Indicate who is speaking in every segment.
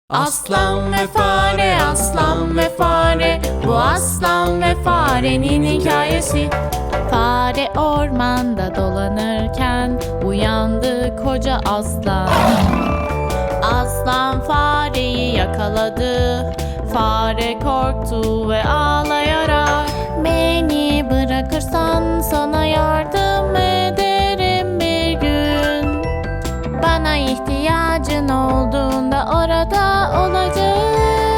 Speaker 1: Aslan ve fare, aslan ve fare. Bu aslan ve farenin hikayesi. Fare ormanda dolanırken uyandı koca aslan. Aslan fareyi yakaladı. Fare korktu ve ağlayarak, "Beni bırakırsan sana yardım ederim bir gün. Bana ihtiyacın olduğunda orada olacağım."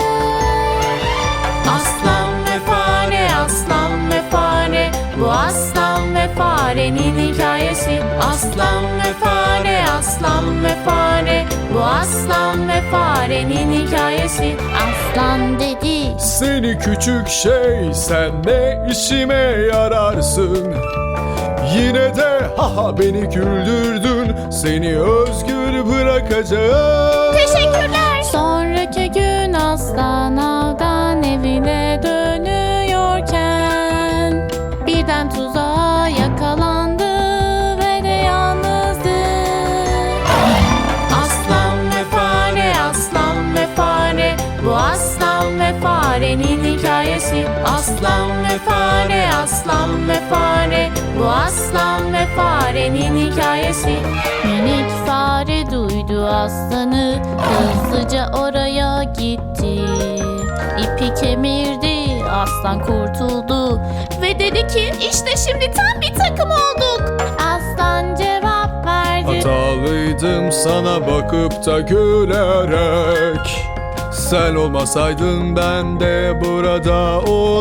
Speaker 1: Aslan ve fare, aslan ve fare. Bu aslan ve farenin hikayesi. Aslan ve fare, aslan ve fare. Bu aslan ve farenin hikayesi. Aslan dedi,
Speaker 2: "Seni küçük şey, sen ne işime yararsın? Yine de beni güldürdün, seni özgür bırakacağım."
Speaker 1: "Teşekkürler." Sonraki gün aslan avdan evine dönüyorken birden tuzağa yakalandı ve de yalnızdı. Aslan ve fare, aslan ve fare. Bu aslan ve farenin hikayesi. Aslan ve fare, aslan ve fare. Bu aslan ve farenin hikayesi. Minik fare duydu aslanı, hızlıca oraya gitti. İpi kemirdi, aslan kurtuldu ve dedi ki, "İşte şimdi tam bir takım olduk." Aslan cevap verdi,
Speaker 2: "Hatalıydım sana bakıp da gülerek. Sen olmasaydın ben de burada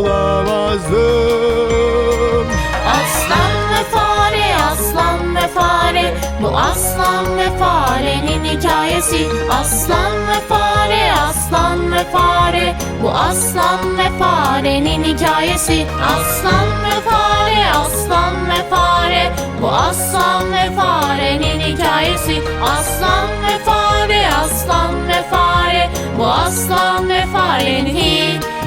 Speaker 2: olamazdım."
Speaker 1: Aslan ve fare, aslan ve fare. Bu aslan ve farenin hikayesi. Aslan ve fare, aslan ve fare. Bu aslan ve farenin hikayesi. Aslan ve fare, aslan ve fare. Bu aslan ve farenin hikayesi. Aslan ve fare, aslan ve fare. Bu aslan ve farenin hikayesi.